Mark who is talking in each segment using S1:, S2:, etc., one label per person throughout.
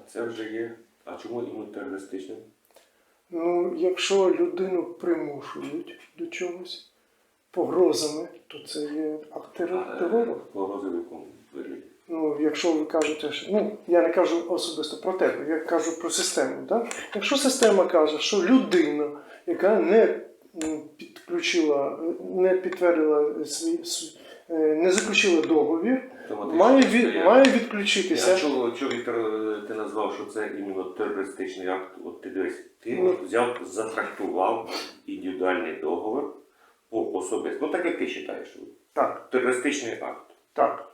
S1: це вже є. А чому іменно терористичним?
S2: Ну, якщо людину примушують до чогось погрозами, то це є акт терору.
S1: Погрози в якому вигляді?
S2: Ну, якщо ви кажете, що... Ну, я не кажу особисто про тебе, я кажу про систему. Да? Якщо система каже, що людина, яка не підключила, не підтвердила не заключила договір, має відключитися.
S1: А чого, Віктор, ти назвав, що це іменно терористичний акт? От ти дивись, ти взяв, затрактував індивідуальний договір по особисто. Ну так як ти вважаєш.
S2: Так.
S1: Терористичний акт.
S2: Так.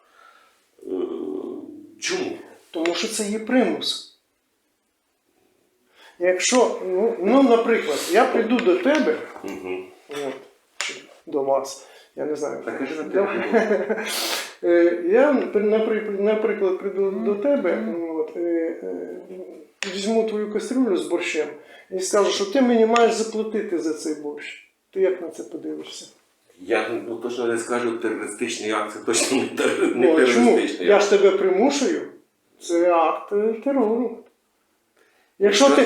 S1: Чому?
S2: Тому що це є примус. Якщо, ну наприклад, я прийду до тебе, от, чи до вас, я не знаю.
S1: Так,
S2: я, наприклад, прийду до тебе, от, візьму твою кастрюлю з борщем і скажу, що ти мені маєш заплатити за цей борщ. Ти як на це подивишся?
S1: Я точно не скажу, терористичний акт, це точно не терористичний акт.
S2: Я ж тебе примушую, це акт терору. Якщо ти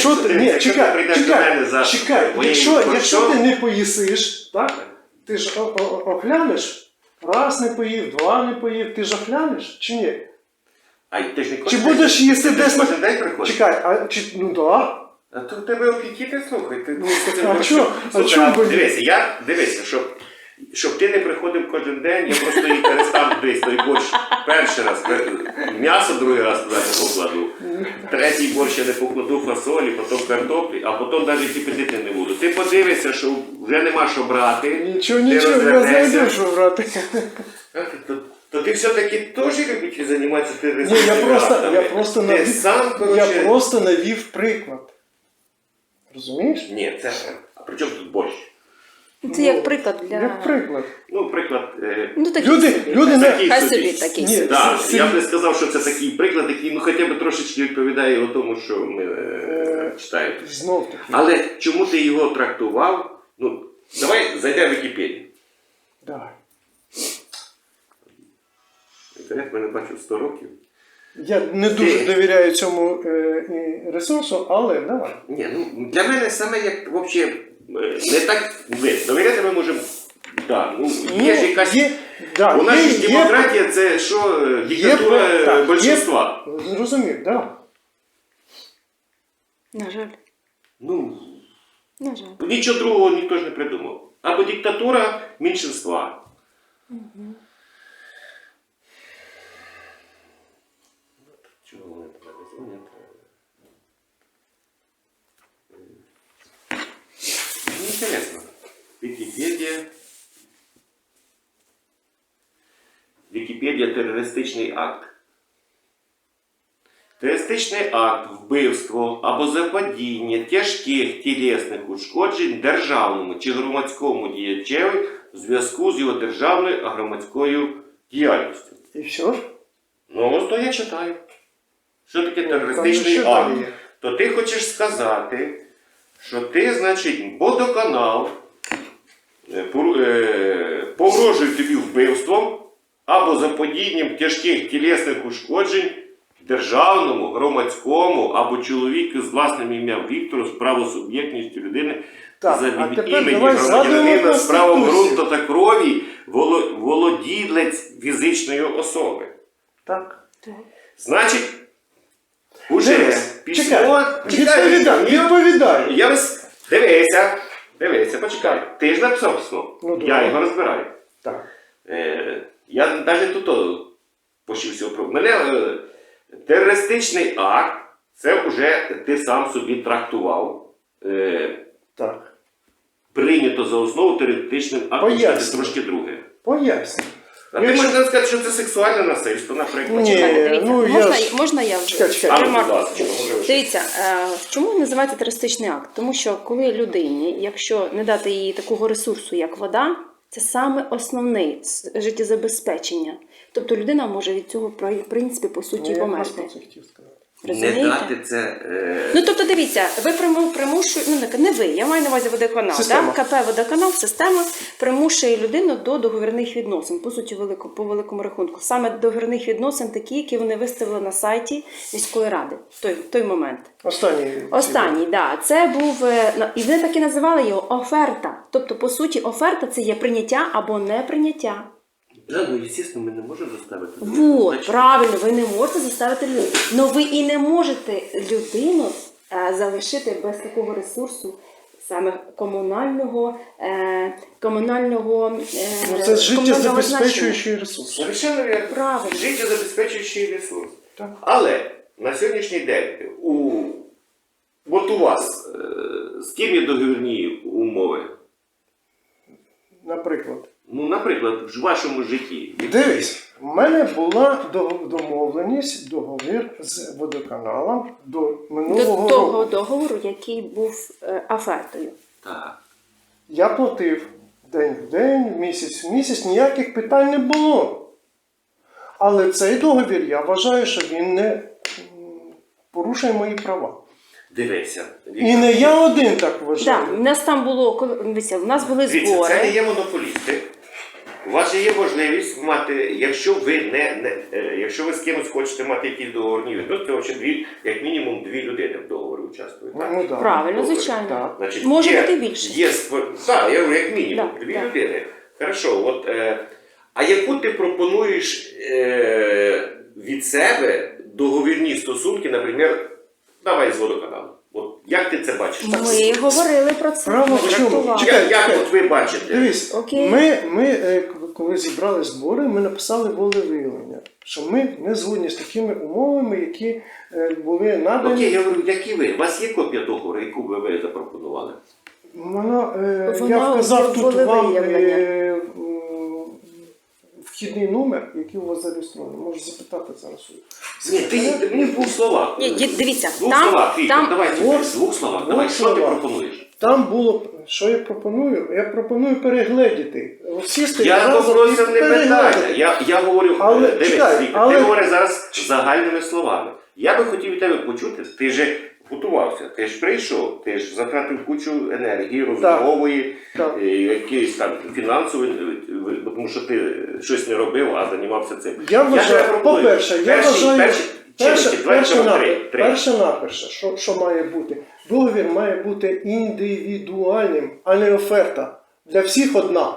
S2: не поїсиш, так? Ти ж оглянеш, раз не поїв, два не поїв, ти ж оглянеш чи ні? Чи будеш їсти десь на день приходиш? Чекай, ну так.
S1: А то в тебе апетити, слухай.
S2: А чому?
S1: Дивися, щоб ти не приходив кожен день, я просто її перестав десь той борщ перший раз, м'ясо другий раз туди не покладу, третій борщ я не покладу фасолі, потім картоплі, а потім навіть і пити не буду. Ти подивишся, що вже нема що брати.
S2: Нічого, я знайду, що брати.
S1: То ти все-таки теж любиш займатися
S2: Ні,
S1: терористичними актами?
S2: я просто навів приклад. Розумієш?
S1: Ні, це... А при чому тут борщ?
S3: Це як приклад для...
S2: Як приклад.
S1: Ну, приклад...
S3: Хай собі такий.
S1: Я б не сказав, що це такий приклад, який хоча б трошечки відповідає тому, що ми читаємо.
S2: Знов-таки.
S1: Але чому ти його трактував? Ну, давай зайдемо в Вікіпедію.
S2: Давай.
S1: Інтернет мене бачив 100 років.
S2: Я не дуже довіряю цьому ресурсу, але давай.
S1: Ні, ну для мене саме як взагалі не так. Довіряти ми можемо. Так, є ж якась. У нас ж демократія це що? Диктатура більшинства.
S2: Зрозумів, так.
S3: На жаль. На жаль.
S1: Нічого другого ніхто ж не придумав. Або диктатура меншинства. Чого вони тебе дзвонять? Интересно. Вікіпедія терористичний акт. Терористичний акт вбивство або заподіяння тяжких тілесних ушкоджень державному чи громадському діячеві в зв'язку з його державною а громадською діяльністю.
S2: І все?
S1: Ну, ось то я читаю. Що таке терористичний акт? То ти хочеш сказати, що ти, значить, водоканал погрожує тобі вбивством або заподіянням тяжких тілесних ушкоджень державному, громадському або чоловіку з власним ім'ям Віктору з правосуб'єктністю людини за імені громадянина з правом ґрунту та крові володілець фізичної особи.
S2: Так.
S1: Значить, уже письмо...
S2: Відповідай.
S1: Дивися, почекай. Ти ж написав письмо. Я його розбираю.
S2: Так.
S1: Я навіть тут пошився про... Мене терористичний акт, це вже ти сам собі трактував.
S2: Так.
S1: Прийнято за основу терористичним актом, це трошки друге.
S2: Поясню.
S1: А ти можеш сказати, що це сексуальне насильство, наприклад?
S3: Можна я вже? Дивіться, чому називається терористичний акт? Тому що коли людині, якщо не дати їй такого ресурсу, як вода, це саме основне життєзабезпечення. Тобто людина може від цього, в принципі, по суті, померти. Розумієте?
S1: Не дати це...
S3: Ну, тобто, дивіться, ви примушуєте, ну, не ви, я маю на увазі водоканал,
S2: Система.
S3: да? КП «Водоканал», система примушує людину до договірних відносин, по суті, по великому рахунку. Саме договірних відносин такі, які вони виставили на сайті міської ради в той момент. Останній, да. Це був, і вони так і називали його оферта. Тобто, по суті, оферта – це є прийняття або неприйняття.
S1: Да, ну, звісно, ми не можемо заставити.
S3: Вот, правильно, ви не можете заставити людину. Но ви і не можете людину залишити без такого ресурсу, саме комунального
S2: це життєзабезпечуючий ресурс.
S1: Совершенно вірно.
S3: Правильно.
S1: Життєзабезпечуючий ресурс.
S2: Так.
S1: Але на сьогоднішній день от у вас з ким є договірні умови?
S2: Наприклад.
S1: Ну, наприклад, в вашому житті.
S2: Дивись, в мене була домовленість, договір з водоканалом до минулого
S3: До того
S2: року.
S3: договору, який був офертою.
S1: Так.
S2: Я платив день в день, місяць в місяць, ніяких питань не було. Але цей договір, я вважаю, що він не порушує мої права.
S1: Дивися.
S2: І не я один так вважаю.
S3: Так, у нас там було, дивіться, у нас були
S1: Дивіться,
S3: збори.
S1: це не є монополісти. У вас же є можливість мати, якщо ви з кимось хочете мати якісь договорні відносини, то як мінімум 2 людини в договорі участвують. Так?
S2: Ну, да.
S3: Правильно,
S1: Договір.
S3: звичайно.
S2: Так.
S1: Значить,
S3: Може бути більше.
S1: Так, я говорю, як мінімум,
S3: Да,
S1: 2
S3: да.
S1: людини. Хорошо, от, а яку ти пропонуєш від себе договірні стосунки, наприклад, давай з водоканалом. От, як ти це бачиш?
S3: Ми говорили про це.
S2: Справа в чому?
S3: трактували.
S1: Як от ви бачите?
S2: Дивись,
S3: Окей.
S2: ми коли зібрали збори, ми написали волевиявлення, що ми не згодні з такими умовами, які були надані.
S1: Окей, я говорю, які ви? У вас є копія договору, яку ви запропонували?
S2: Вона, я
S3: Вона
S2: вказав тут вам
S3: волевиявлення.
S2: вхідний номер, який у вас зареєстрований. Можеш запитати зараз.
S1: Ні, ти мені в 2 словах.
S3: Ні, дивіться,
S1: В 2 словах, Віктор,
S3: там
S1: давай
S2: От,
S1: в 2 словах.
S2: от
S1: Давай, що ти
S2: слова.
S1: пропонуєш?
S2: Там було, що я пропоную? Я пропоную перегледіти. Сісти
S1: Я
S2: разом
S1: попросив
S2: і
S1: не питання.
S2: перегледіти.
S1: Я говорю,
S2: Але,
S1: дивись,
S2: чекай,
S1: Віктор,
S2: але-
S1: ти говориш зараз загальними словами. Я би хотів від тебе почути, ти ж готувався, ти ж прийшов, ти ж затратив кучу енергії, розмової,
S2: Так.
S1: якісь там фінансової, тому що ти щось не робив, а займався цим.
S2: Я вважаю,
S1: пропоную,
S2: по-перше, я вважаю,
S1: перше,
S2: перше-наперше, що має бути? Договір має бути індивідуальним, а не оферта. Для всіх одна.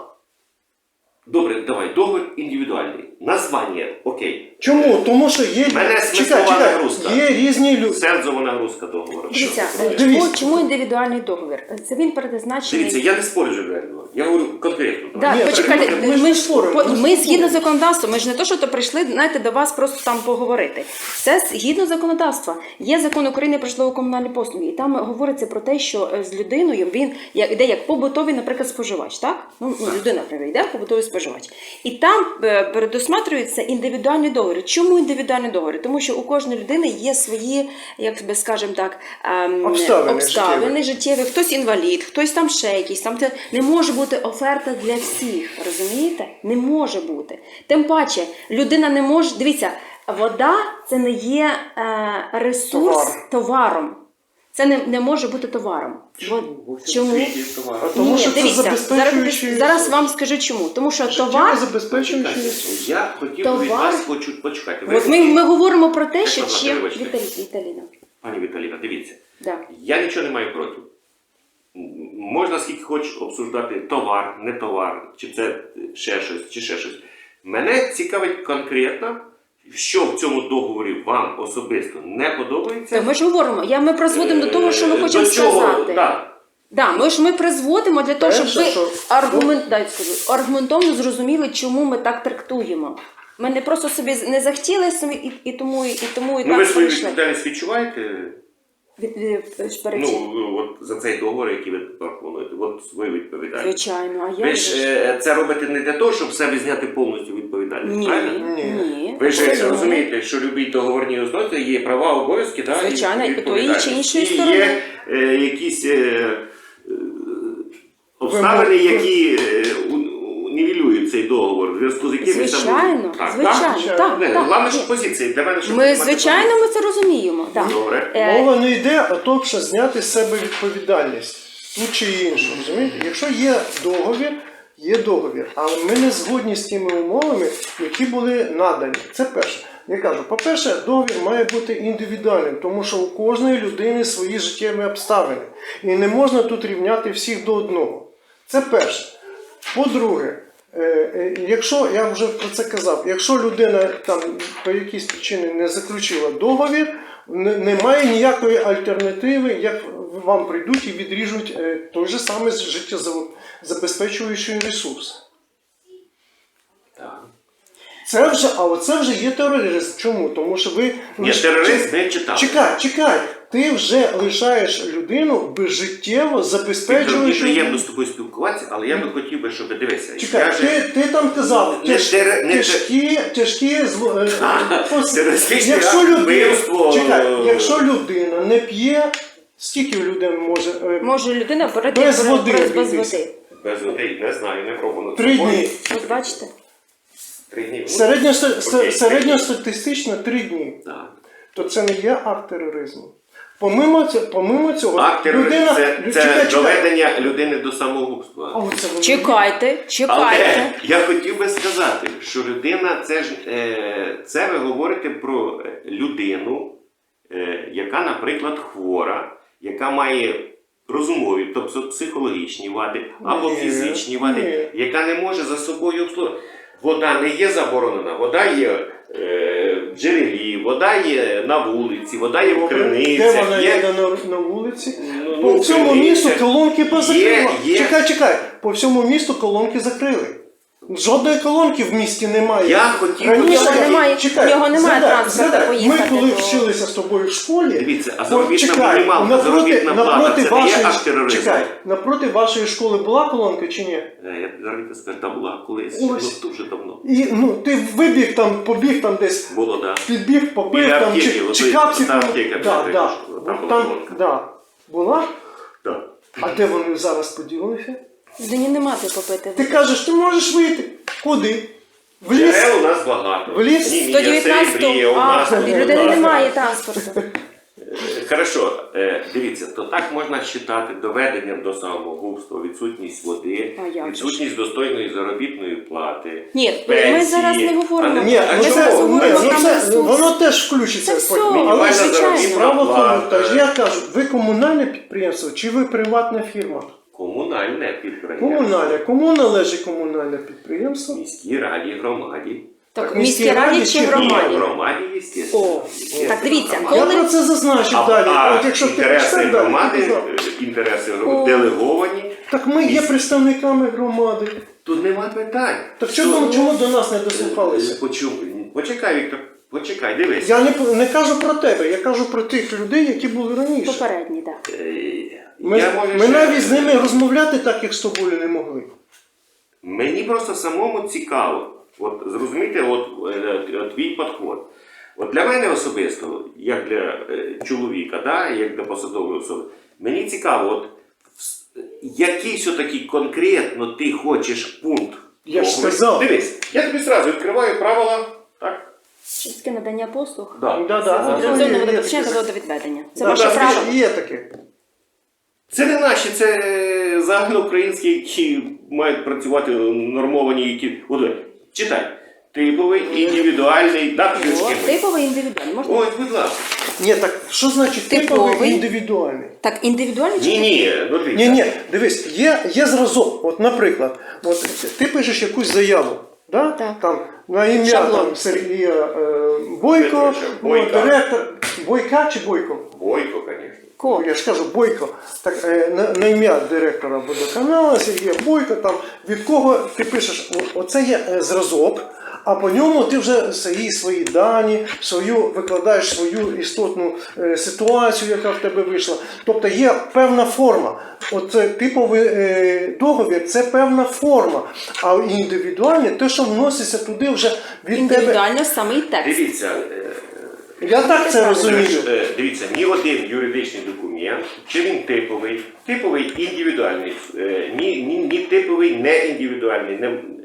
S1: Добре, давай, договір індивідуальний. Названня, окей.
S2: Чому? Тому що є,
S1: Мене смислова нагрузка.
S2: є різні люди.
S1: Серцева нагрузка договору.
S3: Дивіться,
S2: Дивіться.
S3: чому індивідуальний договір? Це він передбачений.
S1: Дивіться, я не спорю живельно. Я говорю конкретно.
S3: Да,
S2: Ні,
S3: почекайте,
S2: ми ж не споримо,
S3: ми згідно законодавства, ми ж не то, що то прийшли, знаєте, до вас просто там поговорити. Це згідно законодавства. Є закон України про житлово-комунальні послуги, і там говориться про те, що з людиною він йде як побутовий, наприклад, споживач, так? Ну, людина, наприклад, йде побутовий споживач. І там передусматрюється індивідуальні договори. Чому індивідуальні договори? Тому що у кожної людини є свої, як би скажемо так, обставини життєві. Хтось інвалід, хтось там ще якийсь. Там не може бути оферта для всіх, розумієте? Не може бути. Тим паче, людина не може... Дивіться, вода – це не є ресурс товаром. Це не може бути товаром. Чому?
S2: Тому що це
S3: дивіться,
S2: забезпечуючий
S3: зараз вам скажу чому. Тому що товар...
S2: забезпечуючий ресурс.
S1: Я хотів від вас почекати.
S3: От ми говоримо про те, що
S1: Вибачте,
S3: чим...
S1: вибачте.
S3: Віталіна.
S1: Пані Віталіна, дивіться.
S3: Да.
S1: Я нічого не маю проти. Можна скільки хочеш обсуждати товар, не товар, чи це ще щось, чи ще щось. Мене цікавить конкретно, що в цьому договорі вам особисто не подобається.
S3: Ми ж говоримо, ми призводимо до того, що ми хочемо
S1: До чого?
S3: сказати.
S1: Да.
S3: Да, ми призводимо для того, щоб ви
S2: Перше,
S3: аргументовно зрозуміли, чому ми так трактуємо. Ми не просто собі не захотіли і тому і
S1: Ну ви
S3: так
S1: свою
S3: прийшли.
S1: відповідальність відчуваєте?
S3: Перечі.
S1: От за цей договор, який ви пропонуєте, от свою відповідальність.
S3: Звичайно, а я
S1: Ви ж це робите не для того, щоб з себе зняти повністю відповідальність,
S3: Ні,
S1: правильно?
S3: ні.
S1: Ви ж
S3: Абсолютно.
S1: розумієте, що любі договорні ознаки є права, обов'язки, да,
S3: Звичайно, і тої чи іншої
S1: І
S3: сторони.
S1: є якісь обставини, які нівелюють цей договор, в зв'язку з яким
S3: Звичайно,
S1: Так,
S3: звичайно.
S1: так?
S3: Так,
S1: Не,
S3: так.
S1: Головне, що позиції. Для мене, щоб
S3: Ми,
S1: мати
S3: звичайно,
S1: позицію.
S3: ми це розуміємо. Так.
S1: Добре.
S2: Мова не йде о тому, що зняти з себе відповідальність ту чи іншу. Розумієте? Якщо є договір, але ми не згодні з тими умовами, які були надані. Це перше. Я кажу, по-перше, договір має бути індивідуальним, тому що у кожної людини свої життєві обставини. І не можна тут рівняти всіх до одного. Це перше. По-друге, якщо, я вже про це казав, якщо людина там по якійсь причині не заключила договір, немає ніякої альтернативи, як вам прийдуть і відріжуть той же самий життєзабезпечуючий ресурс.
S1: Так.
S2: Це вже є тероризм. Чому? Тому що ви...
S1: Ні, терорист не читав.
S2: Чекай. Ти вже лишаєш людину без життєво
S1: Мені
S2: забезпечуючого...
S1: приємно з тобою спілкуватися, але я би хотів би, щоб дивися.
S2: Чекай, ти там казав, тяжкі якщо людина не п'є, скільки людина може...
S3: Може людина перейти
S2: Без води
S3: без
S2: обійтися.
S3: води.
S1: Без води, не знаю, не пробував.
S2: 3 дні.
S3: От бачите?
S1: 3 дні.
S2: Середньостатистично 3 дні.
S1: Так.
S2: То це не є акт тероризму. Помимо цього,
S1: Акт тероризму – це
S2: Чекай.
S1: доведення людини до самогубства.
S2: А оце воно.
S3: Чекайте.
S1: Але я хотів би сказати, що людина, це ви говорите про людину, яка, наприклад, хвора, яка має розумові, тобто психологічні вади або фізичні вади, яка не може за собою обслуговувати. Вода не є заборонена, вода є в джерелі, вода є на вулиці, вода є в криницях.
S2: Де вона є на вулиці?
S1: Ну,
S2: По всьому місту колонки позакрили.
S1: Є.
S2: Чекай. По всьому місту колонки закрили. Жодної колонки в місті немає.
S1: Я хотів
S3: У нього немає транспорту поїхати
S2: Ми коли
S3: до-
S2: вчилися з тобою в школі...
S1: Дивіться, а заробітна мінімалка, заробітна плата, це не є аж тероризм.
S2: Чекай, напроти вашої школи була колонка чи ні?
S1: Я зараз скажу, там була колись,
S2: Ось.
S1: дуже давно.
S2: І, ти вибіг там, побіг там десь,
S1: Було, так.
S2: підбіг, попив
S1: Біля
S2: там,
S1: аптеки,
S2: чи капці.
S1: та аптека,
S2: Да.
S1: там була
S2: Там,
S1: колонка.
S2: да. Була?
S1: Так.
S2: А де вони зараз поділилися?
S3: Людині нема ти попити.
S2: Ти кажеш, ти можеш вийти. Куди? В ліс?
S1: Джерел у нас багато.
S2: В ліс?
S1: Німія, Серебрія, у нас.
S3: в людини немає транспорту.
S1: Хорошо, дивіться, то так можна вважати доведенням до самогубства, відсутність води,
S3: А як же ж?
S1: відсутність достойної заробітної плати.
S3: Ні,
S1: пенсії.
S3: ми зараз не говоримо.
S1: А
S2: Ні,
S1: А
S3: Ми
S1: чому?
S3: зараз говоримо
S2: ну,
S3: там
S2: це,
S3: ресурс.
S2: воно теж включиться.
S3: Це
S2: потім.
S3: все,
S2: Але
S1: Мінімальна
S3: звичайно.
S2: справа в тому,
S1: плата.
S2: що я кажу, ви комунальне підприємство чи ви приватна фірма?
S1: Комунальне підприємство.
S2: Комунальне. Кому належить комунальне підприємство?
S1: Міській раді, громаді.
S3: Так, в міській раді чи
S2: чи
S3: громаді?
S1: Громаді, звісно.
S2: О,
S3: Так, дивіться,
S2: Я
S3: коли...
S2: про це зазначив далі. От якщо ти
S1: інтереси
S2: почнеш далі,
S1: громади,
S2: ти казав.
S1: інтереси
S3: О.
S1: делеговані,
S2: Так ми є представниками громади.
S1: тут нема питань.
S2: Так чому до нас не дослухалися?
S1: Почекай, Віктор, почекай, дивись.
S2: Я не кажу про тебе, я кажу про тих людей, які були раніше.
S3: Попередній, так.
S2: Ми навіть з ними розмовляти так, як з тобою не могли.
S1: Мені просто самому цікаво, от зрозуміти, твій підход. От для мене особисто, як для чоловіка, да, як для посадової особи, мені цікаво, який все-таки конкретно ти хочеш пункт.
S2: Я ж сказав.
S1: Дивись, я тобі одразу відкриваю правила, так?
S3: Чистке надання послуг.
S2: Да.
S3: Централізоване
S2: Є
S3: водопостачання
S2: таке.
S3: та водовідведення. Це
S2: Да,
S3: ваше
S2: да,
S3: право.
S2: Є таке.
S1: Це не наші, це загальноукраїнські, які мають працювати нормовані, які... От, читай. Типовий, індивідуальний,
S3: Типовий, індивідуальний. Можна?
S1: Ось, будь ласка.
S2: Ні, так що значить типовий індивідуальний?
S3: Так, індивідуальний чи
S1: Ні, дивіться.
S2: Ні, дивись, є зразок. От, наприклад, ти пишеш якусь заяву, да?
S3: Так.
S2: Там, на ім'я
S3: Шаблон.
S2: там, Сергія Бойко,
S1: Бойка.
S2: директор. Бойка чи Бойко?
S1: Бойко, звісно.
S3: Ко?
S2: Я ж кажу, Бойко. Так, на ім'я директора водоканалу, Сергія Бойко, там, від кого ти пишеш, оце є зразок, а по ньому ти вже свої дані, викладаєш свою істотну ситуацію, яка в тебе вийшла. Тобто є певна форма. Оце типовий договір – це певна форма. А індивідуальне – те, що вноситься туди вже від тебе.
S3: Індивідуально самий текст.
S1: Дивіться,
S2: Я так це розумію.
S1: дивіться, ні один юридичний документ, чи він типовий індивідуальний, ні типовий не індивідуальний.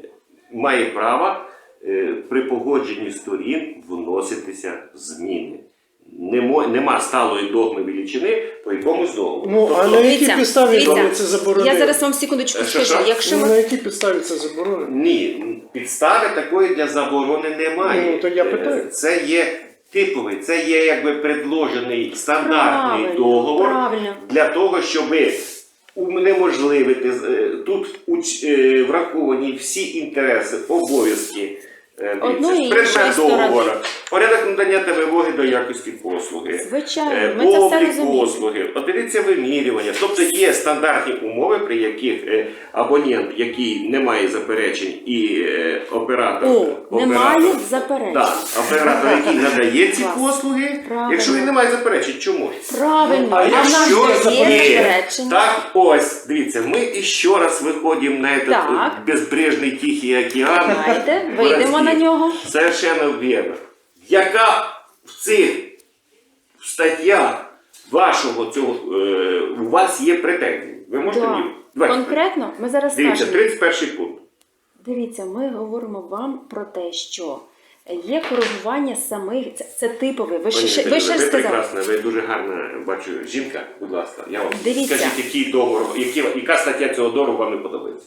S1: має право при погодженні сторін вноситися зміни. Нема сталої догми величини по якомусь договору.
S2: Ну, а на якій
S3: Дивіться,
S2: підставі
S3: дивіться,
S2: вони це заборонили?
S3: Я зараз вам секундочку
S1: Що?
S3: скажу. Якщо
S2: Ну,
S3: ми
S2: на якій підставі це заборонено?
S1: Ні, підстави такої для заборони немає.
S2: Ну, то я питаю.
S1: Це є типовий, це є якби предложений стандартний договор
S3: правильно.
S1: для того, щоб унеможливити, тут враховані всі інтереси, обов'язки,
S3: Одної і
S1: предмет
S3: іншої
S1: договору,
S3: сторони.
S1: порядок надання та вимоги до якості послуги,
S3: Звичайно, ми це все
S1: облік
S3: розуміємо.
S1: послуги, одиниця вимірювання. Тобто є стандартні умови, при яких абонент, який не має заперечень, і оператор,
S3: Немає заперечень.
S1: да, оператор, який надає ці
S3: Клас.
S1: послуги,
S3: Правильно.
S1: якщо він не має заперечень, чому?
S3: Правильно,
S2: А
S3: а в нас
S2: якщо
S3: є
S1: Ні.
S3: заперечення.
S1: Так, ось, дивіться, ми іще раз виходимо на этот
S3: Так.
S1: безбрежний Тихий океан.
S3: Знаєте, вийдемо на нього.
S1: Совершенно вірно. Яка в цих статтях вашого цього, у вас є претензії? Ви можете
S3: Да.
S1: мені? Давайте.
S3: Конкретно, ми зараз
S1: Дивіться,
S3: скажемо.
S1: 31 пункт.
S3: Дивіться, ми говоримо вам про те, що є коригування самих, це типове. Ви
S1: Пані
S3: ще
S1: Віталіно, ви
S3: сказали.
S1: прекрасна, ви дуже гарна, бачу, жінка, будь ласка, я вам
S3: Дивіться.
S1: скажіть, який договор, яка стаття цього договору вам не подобається?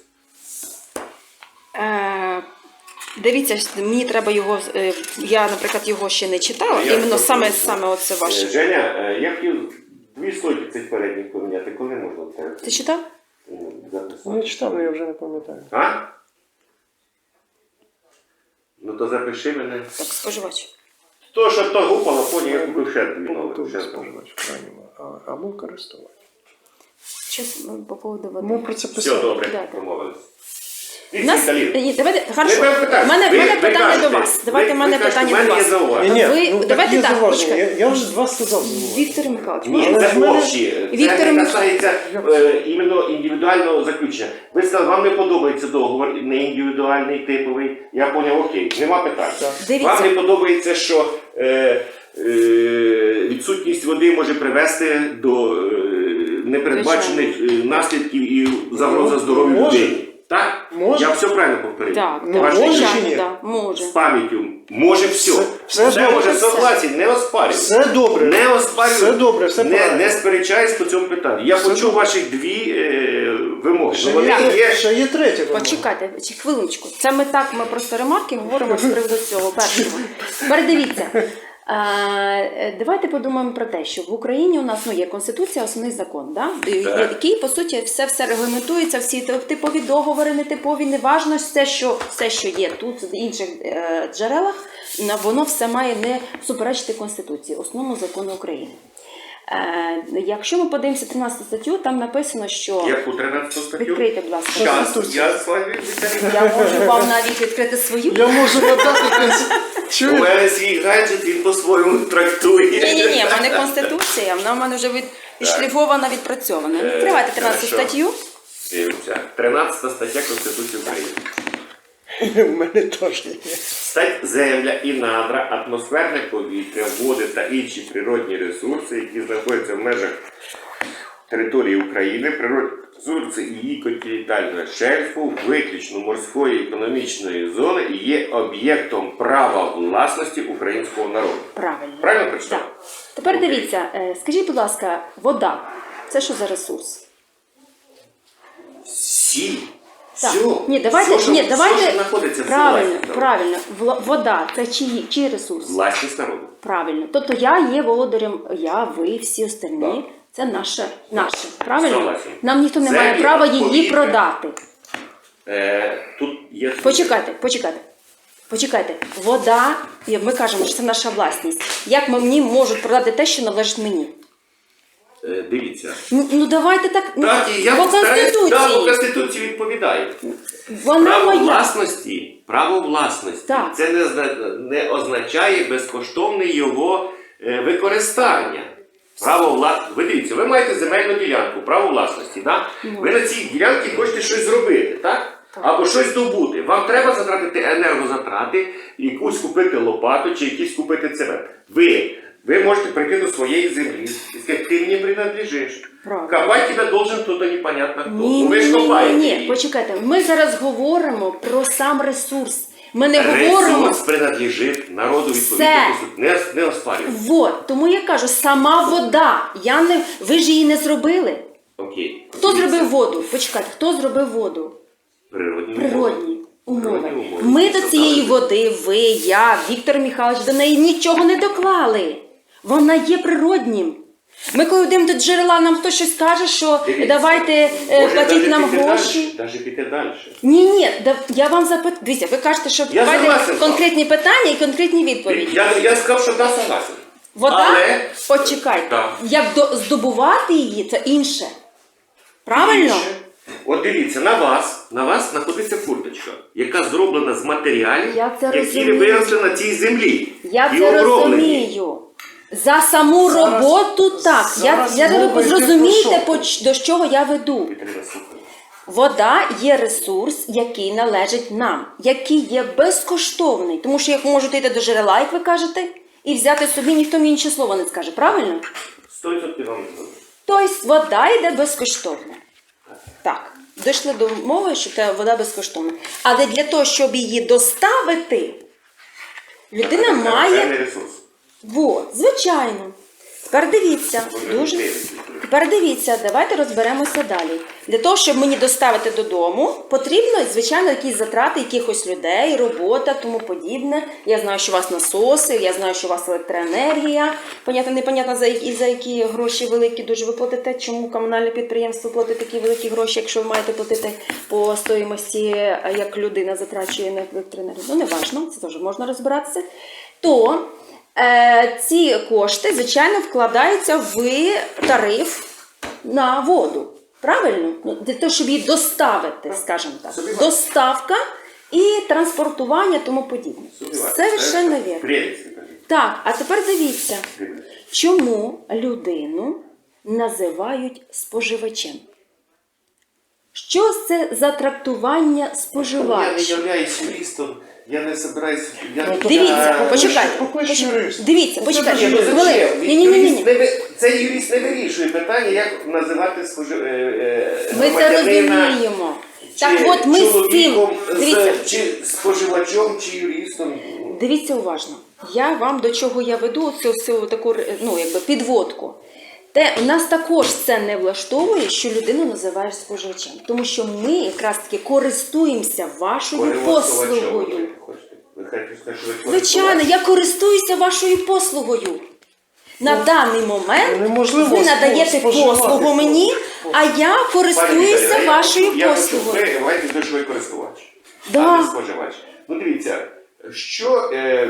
S3: Дивіться, мені треба його, я, наприклад, його ще не читала,
S1: Я
S3: іменно
S1: просто-
S3: саме оце ваше.
S1: Женя, я хотів 2 слойки цих передніх поміняти, коли можна це
S3: Ти читав?
S1: записати?
S2: Не читав, але я вже не пам'ятаю.
S1: А? Ну то запиши мене.
S3: Так, споживач.
S1: То, що то гупало, потім я купив ще 2 нових.
S2: Побутовий
S1: ще
S2: споживач, правильно. Або користувач.
S3: Щось по поводу води.
S2: Ми про це
S1: Все
S2: писали.
S1: добре,
S3: Да, так.
S1: домовились.
S3: У нас, ні, давайте, хорошо.
S1: Ви питаєте,
S3: У мене
S1: ви
S3: питання
S1: кажете,
S3: до вас. Давайте
S1: ви
S3: в мене
S1: кажете,
S3: питання
S1: в мене
S3: до
S1: є
S3: вас.
S1: зауваження.
S2: Ні,
S3: Ви-
S2: ну,
S3: давайте
S2: є
S3: так,
S2: зауваження.
S3: почекайте.
S2: Я вже два сказав зауваження.
S3: Віктор Михайлович,
S1: Ні,
S3: можна?
S1: це
S2: в мене-
S1: общі.
S3: Віктор
S1: Це не
S3: Михайлович.
S1: касається іменно індивідуального заключення. Ви сказали, вам не подобається договор, не індивідуальний, типовий. Я поняв, окей, нема питань.
S2: Так.
S3: Дивіться.
S1: Вам не подобається, що відсутність води може привести до непередбачених наслідків і загроза здоров'ю
S2: Може.
S1: людини. Так?
S2: Може.
S1: Я все правильно повторив.
S3: Так,
S2: Ну,
S3: так,
S1: Ваше
S2: може
S3: звичайно,
S2: чи ні?
S3: да, може.
S1: З пам'яттю. Може все.
S2: Все
S1: Все
S2: добре.
S1: може согласен, не оспарюю.
S2: Все добре.
S1: Не оспарюю.
S2: Все добре, все
S1: не,
S2: правильно.
S1: не сперечаюсь по цьому питанню. Я
S2: Все
S1: почув
S2: добре.
S1: ваших 2 вимоги.
S2: Ще
S1: Ну, вони
S2: є,
S1: є.
S2: ще є третя вимога.
S3: Почекайте, хвилиночку. Це ми так, ми просто ремарки говоримо з приводу цього першого. Передивіться. Давайте подумаємо про те, що в Україні у нас є Конституція, основний закон, да? Який, по суті, все регламентується, всі типові договори, нетипові, неважно, все, що є тут, в інших джерелах, воно все має не суперечити Конституції, основному закону України. Якщо ми подивимося 13 статтю, там написано, що...
S1: Яку 13 статтю?
S3: Відкрийте, будь ласка.
S1: Щас, я з вами відповідаю.
S3: Я можу вам навіть відкрити свою.
S2: Я можу надати
S1: У
S2: Чуєте?
S1: мене свій гаджет, він по-своєму трактує.
S3: Ні, в мене Конституція, вона в мене вже відшліфована, відпрацьована. Відкривайте 13
S1: хорошо.
S3: статтю.
S1: Дивіться. 13 стаття Конституції України.
S2: У мене теж є.
S1: Стать земля і надра, атмосферне повітря, води та інші природні ресурси, які знаходяться в межах території України, природні ресурси її континентального шельфу, виключно морської економічної зони і є об'єктом права власності українського народу.
S3: Правильно.
S1: Правильно прочитав?
S3: Так. Тепер
S1: Окей.
S3: дивіться, скажіть, будь ласка, вода це що за ресурс?
S1: Сіль.
S3: Так.
S1: Все.
S3: Ні, давайте,
S1: все, що знаходиться в
S3: правильно,
S1: власності.
S3: правильно. Вода це чий ресурс?
S1: Власність народу.
S3: Правильно. Тобто я є володарем, ви, всі остальні.
S1: Так.
S3: Це наше. Правильно?
S1: Согласен.
S3: Нам ніхто не має
S1: Землі,
S3: права її
S1: повітря.
S3: продати.
S1: Тут є...
S3: Почекайте. Вода, ми кажемо, що це наша власність. Як мені можуть продати те, що належить мені?
S1: Дивіться.
S3: Ну давайте так.
S1: Так, і я
S3: по
S1: стараюсь, по
S3: Конституції.
S1: Конституції відповідаю.
S3: Вона
S1: Право
S3: моя.
S1: власності
S3: Так.
S1: це не означає безкоштовне його використання. Ви дивіться, ви маєте земельну ділянку, право власності. Да? Ви на цій ділянці хочете щось зробити, так? Або щось добути. Вам треба затратити енергозатрати, якусь купити лопату чи якісь купити цемент. Ви Ви можете прийти до своєї землі і сказати, ти мені принадлежиш.
S3: Правильно.
S1: Копать тебе должен хто-то непонятно хто.
S3: Ні,
S1: Ну, ви ж копаєте
S3: ні,
S1: її.
S3: почекайте. Ми зараз говоримо про сам ресурс. Ми не говоримо.
S1: Ресурс принадлежить народу
S3: Все.
S1: відповідно. Не оспарюємо.
S3: Вот, тому я кажу, сама вода. Ви ж її не зробили.
S1: Окей.
S3: Хто зробив воду? Почекайте, хто зробив воду?
S1: Природні.
S3: Природні умови.
S1: Природні умови.
S3: Ми до
S1: Це
S3: цієї
S1: так.
S3: води, ви, я, Віктор Михайлович, до неї нічого не доклали. Вона є природнім. Ми коли йдемо до джерела, нам хтось щось каже, що
S1: Дивіться,
S3: давайте
S1: може,
S3: платіть
S1: навіть
S3: нам
S1: піти
S3: гроші.
S1: далі, навіть піти далі.
S3: Ні, я вам запитаю. Дивіться, ви кажете, що
S1: Я
S3: давайте
S1: согласен.
S3: конкретні питання і конкретні відповіді.
S1: Я сказав, що да, согласен.
S3: Вода,
S1: Але...
S3: почекайте,
S1: Так.
S3: як здобувати її, це інше. Правильно?
S1: Більше. От дивіться, на вас знаходиться курточка, яка зроблена з матеріалів,
S3: Я це
S1: які
S3: розумію.
S1: виросли на цій землі.
S3: Я
S1: і
S3: це
S1: оброблені.
S3: розумію. За саму
S2: Зараз-
S3: роботу так.
S2: зараз
S3: Я
S2: мова
S3: ви
S2: йде
S3: зрозумієте,
S2: про що?
S3: до чого я веду.
S1: Віталіна, слухай.
S3: Вода є ресурс, який належить нам, який є безкоштовний. Тому що як можете йти до джерела, як ви кажете, і взяти собі, ніхто мені інше слово не скаже. Правильно?
S1: 100% вам згоден.
S3: Тобто вода йде безкоштовно. Так, дійшли до мови, що та вода безкоштовна. Але для того, щоб її доставити, людина
S1: Це
S3: має.
S1: певний ресурс.
S3: Во, звичайно. Тепер дивіться, Тепер дивіться, давайте розберемося далі. Для того, щоб мені доставити додому, потрібно, звичайно, якісь затрати якихось людей, робота, тому подібне. Я знаю, що у вас насоси, я знаю, що у вас електроенергія. Понятно, непонятно, за які гроші великі дуже ви платите, чому комунальне підприємство платить такі великі гроші, якщо ви маєте платити по стоїмості, як людина затрачує на електроенергію. Ну, не важно, це теж можна розбиратися. То ці кошти, звичайно, вкладаються в тариф на воду. Правильно? Ну, для того, щоб її доставити, скажімо так. Доставка і транспортування, тому подібне. Совершенно вірно.
S1: Прелість.
S3: Так, а тепер дивіться, чому людину називають споживачем? Що це за трактування
S1: Я
S3: споживач?
S1: не являюсь юристом, я не собираюсь...
S3: Дивіться, почекайте.
S2: Поклич юриста.
S3: Дивіться, почекайте.
S1: Ні, ну зачем?
S3: Ні.
S1: Цей юрист не вирішує питання, як називати
S3: Ми це
S1: громадянина,
S3: розуміємо.
S1: чи
S3: Так от ми з цим,
S1: чоловіком,
S3: дивіться,
S1: чи споживачом, чи юристом.
S3: дивіться уважно. Я вам до чого я веду цю таку, ну, якби підводку. У нас також це не влаштовує, що людину називаєш споживачем. Тому що ми якраз таки користуємося вашою послугою. Звичайно, я користуюся вашою послугою. На даний момент
S2: неможливо
S3: ви надаєте
S2: споживати
S3: послугу мені, а я користуюся вашою послугою.
S1: Ви маєте дешевий користувач,
S3: Да.
S1: а не споживач. Ну дивіться, що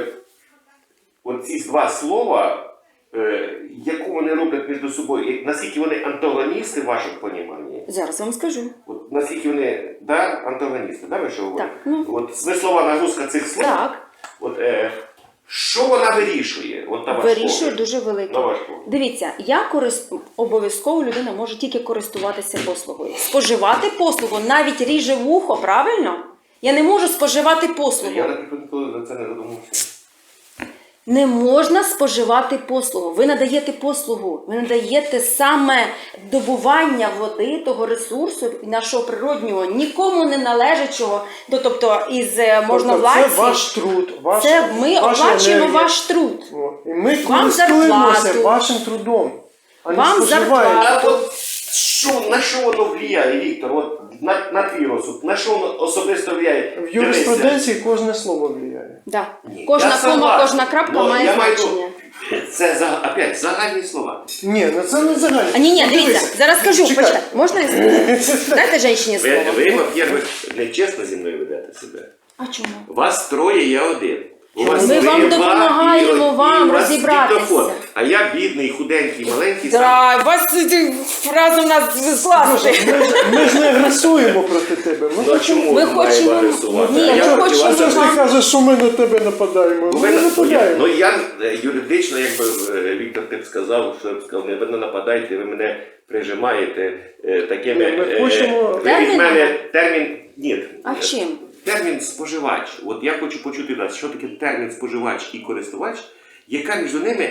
S1: оці два слова, яку вони роблять між собою, наскільки вони антагоністи в вашому поніманні?
S3: Зараз вам скажу.
S1: От наскільки вони, да, антагоністи, да, ви що говорите?
S3: Так, ну.
S1: От смислова нагрузка цих слов,
S3: Так.
S1: от, що вона вирішує? От, на ваш
S3: Вирішує
S1: погляд?
S3: дуже велике.
S1: На ваш погляд.
S3: Дивіться, обов'язково людина може тільки користуватися послугою. Споживати послугу навіть ріже вухо, правильно? Я не можу споживати послугу.
S1: Я, наприклад, ніколи за це не задумався.
S3: Не можна споживати послугу. Ви надаєте послугу. Ви надаєте саме добування води, того ресурсу нашого природнього, нікому не належачого, тобто із можновладців.
S2: Це ваш труд.
S3: Це ми
S2: ваша
S3: оплачуємо
S2: енергія.
S3: ваш труд.
S2: О, і ми
S3: Вам
S2: користуємося
S3: зарплату.
S2: вашим трудом, а не
S3: Вам
S2: споживаємо.
S3: зарплату.
S1: А от на що воно впливає, Віктор? От на твій розсуд, на що воно особисто впливає?
S2: В юриспруденції кожне слово впливає.
S3: Да.
S1: Ні,
S3: Кожна
S1: я
S3: кома,
S1: согласен.
S3: кожна крапка
S1: Ну,
S3: має
S1: я маю-
S3: значення.
S1: Це опять загальні слова.
S2: Ні, ну це не загально.
S3: А ні,
S2: Ну,
S3: дивіться,
S2: дивися.
S3: зараз скажу,
S2: Чекай.
S3: почекай. Можна я скажу? Дайте жінці слово.
S1: Ви, во-первых, нечесно зі мною ведете себе.
S3: А чому?
S1: Вас троє, я один. У вас
S3: Ми вам
S1: три,
S3: допомагаємо
S1: два, і
S3: вам
S1: у вас
S3: розібратися.
S1: диктофон. А я бідний, худенький, маленький. сам.
S3: Да, вас разом нас злазити.
S2: Ми ж не агресуємо проти тебе. Ми
S1: Ну, а
S2: хочемо.
S1: чому
S3: Ми
S1: ви маєте
S3: хочемо-
S1: агресувати?
S3: Ні,
S1: А
S3: ми
S1: я проти
S3: хочемо
S1: вас
S2: Що ж ти
S3: вам-
S2: кажеш, що ми на тебе нападаємо?
S1: Ну,
S2: Ми не нападаємо.
S1: Ну я юридично, якби Віктор ти б сказав, що я б сказав, ви не нападайте, ви мене прижимаєте такими.
S2: Ми хочемо-
S1: ви від
S3: Терміном?
S1: мене термін. Ні.
S3: А чим?
S1: Термін споживач. От я хочу почути вас, що таке термін споживач і користувач, яка між ними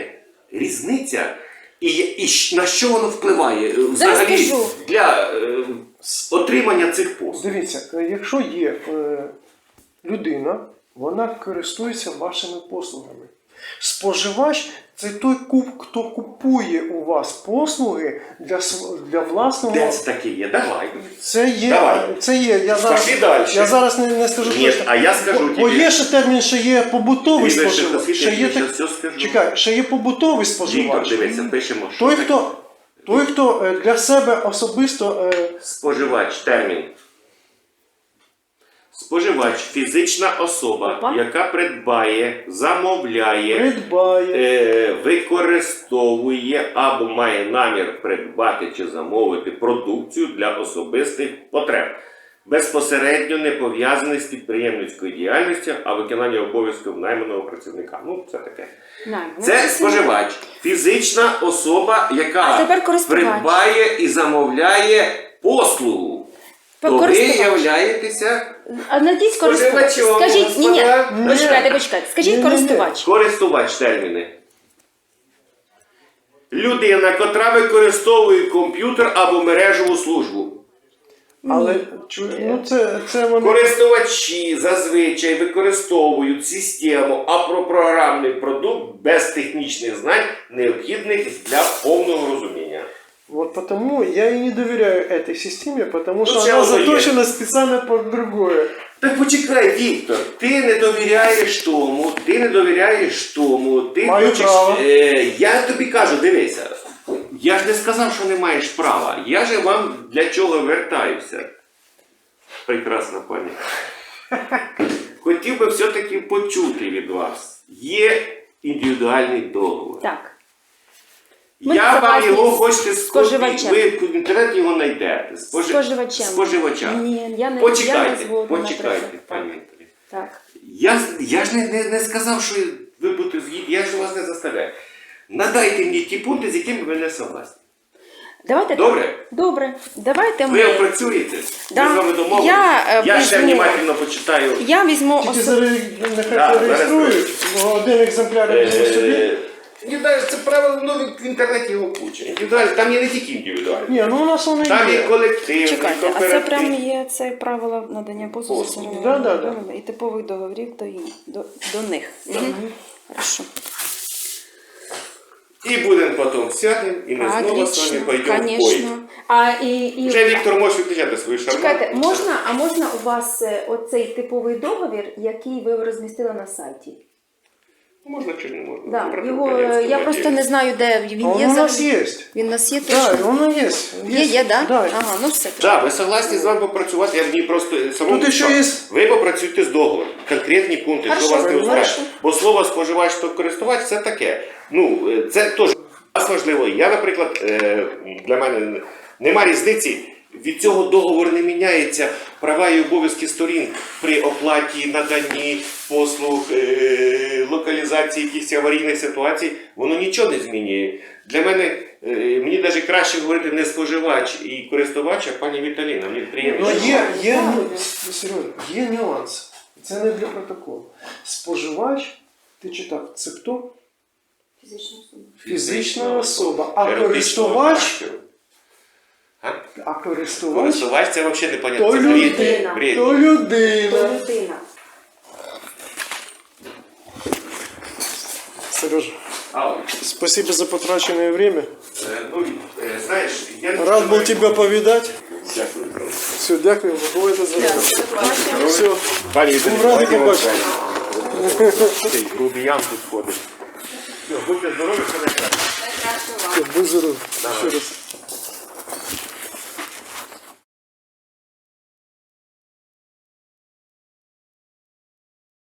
S1: різниця і на що воно впливає взагалі
S3: скажу.
S1: для отримання цих послуг?
S2: Дивіться, якщо є людина, вона користується вашими послугами. Споживач – це той, хто купує у вас послуги для власного...
S1: Де це таке є? Давай.
S2: Це є.
S1: Давай.
S2: Це є.
S1: Пошли далі.
S2: Я зараз не скажу
S1: Ні,
S2: точно.
S1: а я скажу
S2: Бо
S1: тобі.
S2: є ще термін, що є побутовий
S1: Ти
S2: споживач.
S1: я
S2: Ще є
S1: зараз все скажу.
S2: Чекай, ще є побутовий
S1: Віктор,
S2: споживач.
S1: дивися, пишемо. що
S2: Той,
S1: таке.
S2: хто для себе особисто
S1: Споживач, термін. Споживач – фізична особа,
S3: Опа.
S1: яка придбає, замовляє,
S2: придбає.
S1: використовує або має намір придбати чи замовити продукцію для особистих потреб, безпосередньо не пов'язаний з підприємницькою діяльністю, а виконання обов'язків найманого працівника. Ну, це таке. Це споживач, фізична особа,
S3: А
S1: яка
S3: тепер користувач.
S1: придбає і замовляє послугу. То ви
S3: Користувач.
S1: являєтеся
S3: А надіть користувач.
S1: споживачом,
S3: Скажіть, ні,
S1: господа.
S3: почекайте. Скажіть
S2: Ні-ні-ні.
S3: користувач.
S1: користувач терміни. Людина, котра використовує комп'ютер або мережеву службу.
S2: Але це вони...
S1: Користувачі зазвичай використовують систему або програмний продукт без технічних знань, необхідних для повного розуміння.
S2: Вот потому я и не доверяю этой системе, потому что
S1: це
S2: она
S1: воно є.
S2: заточена специально под другое.
S1: Так почекай, Віктор, ти не довіряєш тому, ти
S2: Маю
S1: хочеш...
S2: право.
S1: Я тобі кажу, дивися, я ж не сказав, що не маєш права. Я же вам для чого вертаюся. Прекрасна пані. Хотів би все-таки почути від вас. Є індивідуальний договор.
S3: Так. Ми
S1: Я вам
S3: согласні
S1: його
S3: з
S1: хочете
S3: споживачем.
S1: ви в інтернеті його знайдете.
S3: Споживачем.
S1: Споживачем.
S3: Ні, я не
S1: Почекайте,
S3: згодна,
S1: почекайте,
S3: наприклад.
S1: пані Вікторі.
S3: Так.
S1: Я ж не сказав, що ви будете згідні, я ж вас не заставляю. Надайте мені ті пункти, з якими ви не согласні.
S3: Давайте
S1: Добре?
S3: так. Добре. Давайте
S1: Ви
S3: ми...
S1: опрацюєте?
S3: Да.
S1: Ми з вами домовились?
S3: Я,
S1: ще
S3: візьму-
S1: внимательно почитаю.
S3: Я візьму
S2: Тільки нехай
S1: Да,
S2: зареєструють, бо один екземпляр візьму собі.
S1: Індивідуально, це правило, ну, в інтернеті його куча. Індивідуально, там є не тільки індивідуально.
S2: Ні, ну у нас воно
S1: Там
S2: є.
S1: є колектив,
S3: Чекайте, а це
S1: кооператив.
S3: прям є це правило надання послуг
S1: Послуг.
S2: Да.
S3: і типових договорів до них. Хорошо.
S1: І будемо потім сядемо, і ми знову з вами пойдемо в бой.
S3: Конечно. А і
S1: Вже Віктор може виключати свою шарманку.
S3: чекайте, можна у вас оцей типовий договір, який ви розмістили на сайті?
S1: Можна чи не можна?
S3: Да,
S1: Про
S3: його
S1: підприємство
S3: я просто
S1: владіє.
S3: не знаю, де
S2: А
S3: він
S2: воно
S3: є.
S2: у нас
S3: взагалі?
S2: є.
S3: Він у нас є
S2: Так,
S3: точно?
S2: воно є.
S3: Є, да?
S2: Да.
S3: Ага, ну все.
S1: Так, ви согласні з вами попрацювати, я мені просто самому
S2: Тут ще
S1: сказав.
S2: є-
S1: Ви попрацюйте з договором, конкретні пункти, що
S3: Хорошо,
S1: вас не узнаєш.
S3: хорошо.
S1: Бо слово споживач та користувач це таке. Ну, це теж важливо. Я, наприклад, для мене нема різниці. Від цього договору не міняється права і обов'язки сторін при оплаті, наданні послуг, локалізації якихось аварійних ситуацій. Воно нічого не змінює. Для мене, мені навіть краще говорити не споживач і користувач, а пані Віталіна. Мені приємно.
S2: Ну,
S1: що-
S2: Сережа, є нюанс. Це не для протоколу. Споживач, ти читав, це хто?
S3: Фізична особа.
S2: Фізична особа. А
S1: Юридичного
S2: користувач?
S1: характеру.
S2: А користувач?
S1: Користувач це взагалі непонятно.
S2: То
S1: Це бред.
S3: людина.
S1: Бред.
S2: То людина.
S3: Людина.
S2: Сережа,
S1: Алло.
S2: спасибо за потраченное время.
S1: Знаєш, я не
S2: Рад был
S1: знаю.
S2: тебя повидать.
S1: Дякую.
S2: Все, дякую. Бувайте здорові. Все.
S1: Пані
S2: Був радий побачити.
S1: Цей грубіян тут ходить. Все, будьте здорові, все найкраще.
S2: Будь здоров. Ще раз.